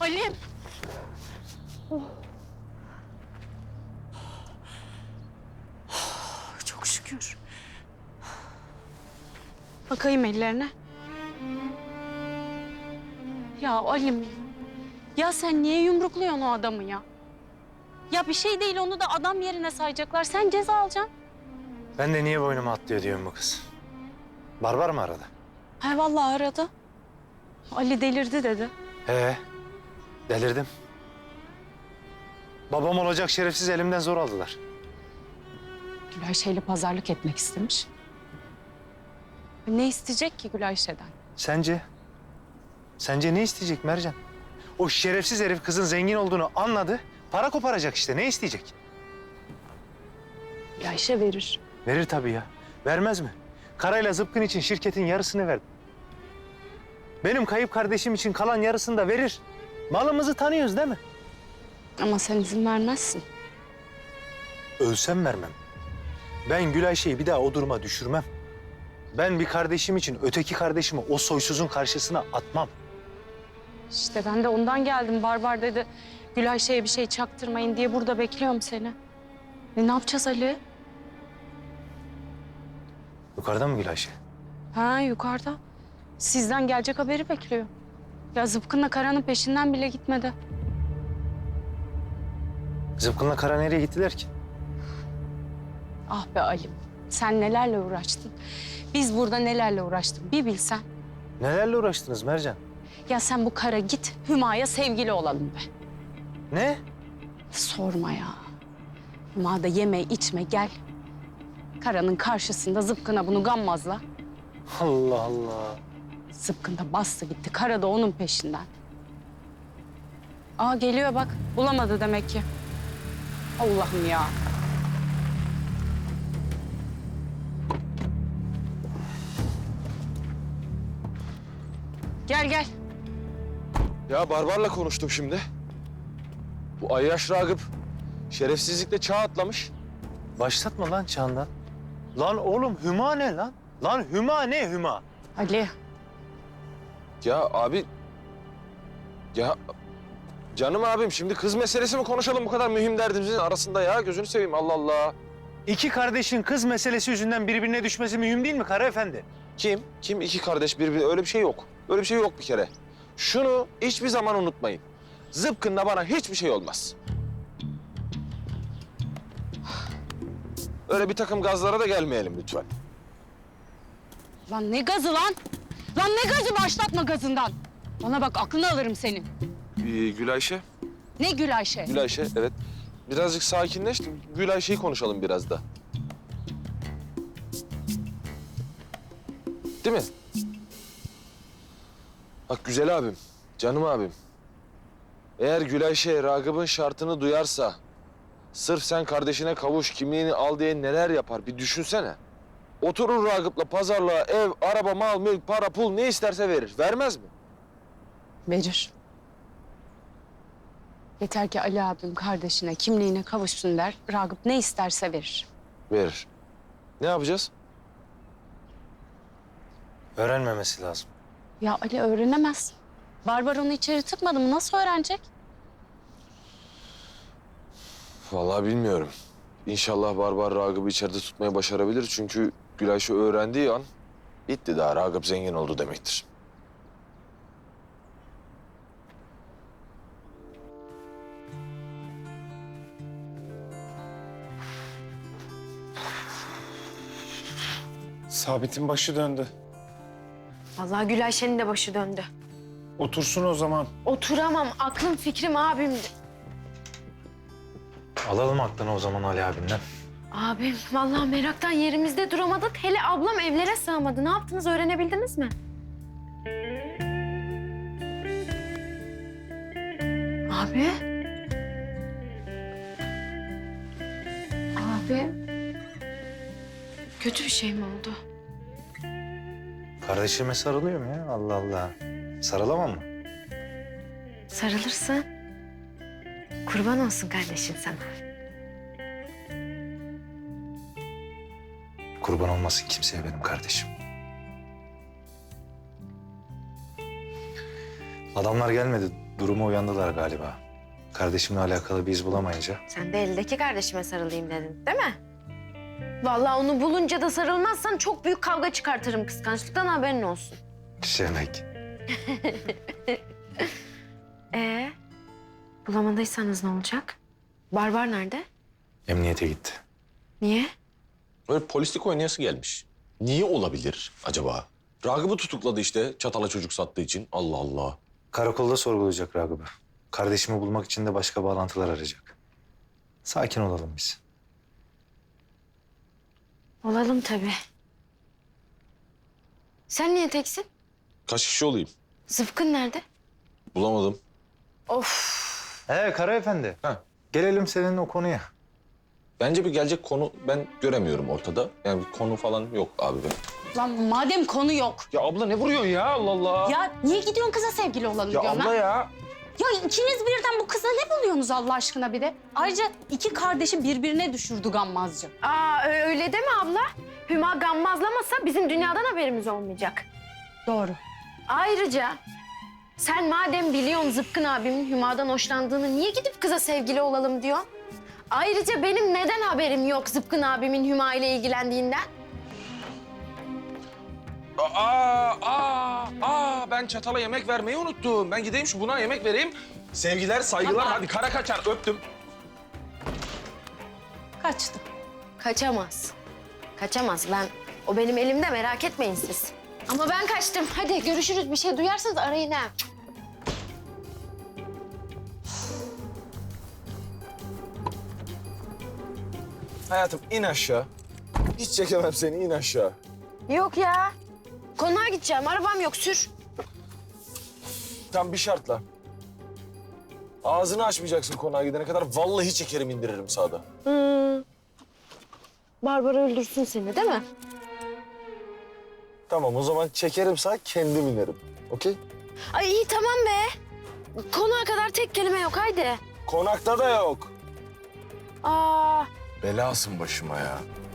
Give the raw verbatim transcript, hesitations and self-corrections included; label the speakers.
Speaker 1: Ali'm. Oh. Çok şükür. Bakayım ellerine. Ya Ali'm. Ya sen niye yumrukluyorsun o adamı ya? Ya bir şey değil, onu da adam yerine sayacaklar. Sen ceza alacaksın.
Speaker 2: Ben de niye boynuma atlıyor diyorum bu kız. Barbar mı aradı?
Speaker 1: He vallahi aradı. Ali delirdi dedi.
Speaker 2: He, delirdim. Babam olacak şerefsiz elimden zor aldılar.
Speaker 1: Gülayşe'yle pazarlık etmek istemiş. Ne isteyecek ki Gülayşe'den?
Speaker 2: Sence? Sence ne isteyecek Mercan? O şerefsiz herif kızın zengin olduğunu anladı. Para koparacak işte. Ne isteyecek?
Speaker 1: Gülayşe verir.
Speaker 2: Verir tabii ya. Vermez mi? Karayla zıpkın için şirketin yarısını verdi. Benim kayıp kardeşim için kalan yarısını da verir. Malımızı tanıyoruz değil mi?
Speaker 1: Ama sen izin vermezsin.
Speaker 2: Ölsem vermem. Ben Gülayşe'yi bir daha o duruma düşürmem. Ben bir kardeşim için öteki kardeşimi o soysuzun karşısına atmam.
Speaker 1: İşte ben de ondan geldim. Barbar dedi, Gülayşe'ye bir şey çaktırmayın diye burada bekliyorum seni. E ne yapacağız Ali?
Speaker 2: Yukarıda mı Gülayşe?
Speaker 1: Ha yukarıda. Sizden gelecek haberi bekliyor. Ya Zıpkın'la Kara'nın peşinden bile gitmedi.
Speaker 2: Zıpkın'la Kara nereye gittiler ki?
Speaker 1: Ah be Ali'm, sen nelerle uğraştın. Biz burada nelerle uğraştık bir bilsen.
Speaker 2: Nelerle uğraştınız Mercan?
Speaker 1: Ya sen bu Kara git, Hüma'ya sevgili olalım be.
Speaker 2: Ne?
Speaker 1: Sorma ya. Hüma da yeme içme gel. Kara'nın karşısında Zıpkın'a bunu gammazla.
Speaker 2: Allah Allah.
Speaker 1: Zıpkın da bastı gitti. Kara da onun peşinden. Aa geliyor bak. Bulamadı demek ki. Allah'ım ya. Gel gel.
Speaker 3: Ya Barbar'la konuştum şimdi. Bu Ayyaş Ragıp şerefsizlikle çağ atlamış.
Speaker 2: Başlatma lan Çağan'dan. Lan oğlum Hüma ne lan? Lan Hüma ne Hüma?
Speaker 1: Ali.
Speaker 3: Ya abi... Ya canım abim şimdi kız meselesi mi konuşalım bu kadar mühim derdimizin arasında ya? Gözünü seveyim Allah Allah.
Speaker 2: İki kardeşin kız meselesi yüzünden birbirine düşmesi mühim değil mi Kara Efendi?
Speaker 3: Kim? Kim iki kardeş birbirine? Öyle bir şey yok. Öyle bir şey yok bir kere. Şunu hiçbir zaman unutmayın. Zıpkın'la bana hiçbir şey olmaz. Öyle bir takım gazlara da gelmeyelim lütfen.
Speaker 1: Lan ne gazı lan? Lan ne gazı, başlatma gazından. Bana bak aklını alırım senin.
Speaker 3: Ee, Gülayşe.
Speaker 1: Ne Gülayşe?
Speaker 3: Gülayşe, evet. Birazcık sakinleş, Gülayşe'yi konuşalım biraz da. Değil mi? Bak güzel abim, canım abim. Eğer Gülayşe Ragıp'ın şartını duyarsa... ...sırf sen kardeşine kavuş, kimliğini al diye neler yapar bir düşünsene. Oturur Ragıp'la pazarlığa ev, araba, mal, mülk, para, pul ne isterse verir. Vermez mi?
Speaker 1: Verir. Yeter ki Ali abim kardeşine kimliğine kavuşsun der. Ragıp ne isterse verir.
Speaker 3: Verir. Ne yapacağız?
Speaker 2: Öğrenmemesi lazım.
Speaker 1: Ya Ali öğrenemez. Barbar onu içeri tıkmadı mı? Nasıl öğrenecek?
Speaker 3: Vallahi bilmiyorum. İnşallah Barbar Ragıp'ı içeride tutmayı başarabilir. Çünkü Gülayşe öğrendiği an bitti daha. Ragıp zengin oldu demektir.
Speaker 4: Sabit'in başı döndü.
Speaker 5: Vallahi Gülayşe'nin de başı döndü.
Speaker 4: Otursun o zaman.
Speaker 5: Oturamam. Aklım fikrim abimdi.
Speaker 2: Alalım aklını o zaman Ali abinden.
Speaker 5: Abim vallahi meraktan yerimizde duramadık. Hele ablam evlere sığamadı. Ne yaptınız öğrenebildiniz mi? Abi. Abi. Kötü bir şey mi oldu?
Speaker 2: Kardeşime sarılıyorum ya Allah Allah. Sarılamam mı?
Speaker 5: Sarılırsın. Kurban olsun kardeşin sana.
Speaker 2: Kurban olmasın kimseye benim kardeşim. Adamlar gelmedi. Duruma uyandılar galiba. Kardeşimle alakalı bir iz bulamayınca.
Speaker 5: Sen de eldeki kardeşime sarılayım dedin, değil mi? Vallahi onu bulunca da sarılmazsan çok büyük kavga çıkartırım kıskançlıktan, haberin olsun.
Speaker 2: Şemek.
Speaker 5: Ee, bulamadıysanız ne olacak? Barbar nerede?
Speaker 2: Emniyete gitti.
Speaker 5: Niye?
Speaker 6: Böyle polislik oynayası gelmiş. Niye olabilir acaba? Ragıp'ı tutukladı işte çatala çocuk sattığı için. Allah Allah.
Speaker 2: Karakolda sorgulayacak Ragıp'ı. Kardeşimi bulmak için de başka bağlantılar arayacak. Sakin olalım biz.
Speaker 5: Olalım tabii. Sen niye teksin?
Speaker 6: Kaç kişi olayım?
Speaker 5: Zıpkın nerede?
Speaker 6: Bulamadım.
Speaker 5: Of.
Speaker 2: Ee Kara Efendi.
Speaker 6: Ha.
Speaker 2: Gelelim senin o konuya.
Speaker 6: Bence bir gelecek konu ben göremiyorum ortada. Yani bir konu falan yok abi benim.
Speaker 1: Lan madem konu yok.
Speaker 6: Ya abla ne vuruyorsun ya Allah Allah.
Speaker 1: Ya niye gidiyorsun kıza sevgili olalım
Speaker 6: Ya
Speaker 1: diyorum
Speaker 6: abla
Speaker 1: ha?
Speaker 6: ya.
Speaker 1: Ya ikiniz birden bu kıza ne buluyorsunuz Allah aşkına bir de? Ayrıca iki kardeşi birbirine düşürdü gammazcı.
Speaker 5: Aa ö- öyle deme abla. Hüma gammazlamasa bizim dünyadan haberimiz olmayacak.
Speaker 1: Doğru.
Speaker 5: Ayrıca sen madem biliyorsun Zıpkın abimin Hüma'dan hoşlandığını, niye gidip kıza sevgili olalım diyor? Ayrıca benim neden haberim yok Zıpkın abimin Hüma ile ilgilendiğinden?
Speaker 3: Aa, aa, aa, ben çatala yemek vermeyi unuttum. Ben gideyim şu buna yemek vereyim. Sevgiler, saygılar.
Speaker 1: Baba.
Speaker 3: Hadi kara kaçar, öptüm.
Speaker 1: Kaçtı.
Speaker 5: Kaçamaz. Kaçamaz. Ben, o benim elimde, merak etmeyin siz. Ama ben kaçtım. Hadi görüşürüz. Bir şey duyarsanız arayın ha.
Speaker 3: Hayatım in aşağı. Hiç çekemem seni, in aşağı.
Speaker 5: Yok ya. Konağa gideceğim. Arabam yok. Sür.
Speaker 3: Tam bir şartla. Ağzını açmayacaksın konağa gidene kadar. Vallahi çekerim indiririm sağda.
Speaker 5: Hmm. Barbara öldürsün seni, değil mi?
Speaker 3: Tamam o zaman çekerim sağ, kendim inerim. Okey?
Speaker 5: Ay iyi tamam be. Konağa kadar tek kelime yok. Haydi.
Speaker 3: Konakta da yok.
Speaker 5: Aa.
Speaker 3: Belasın başıma ya.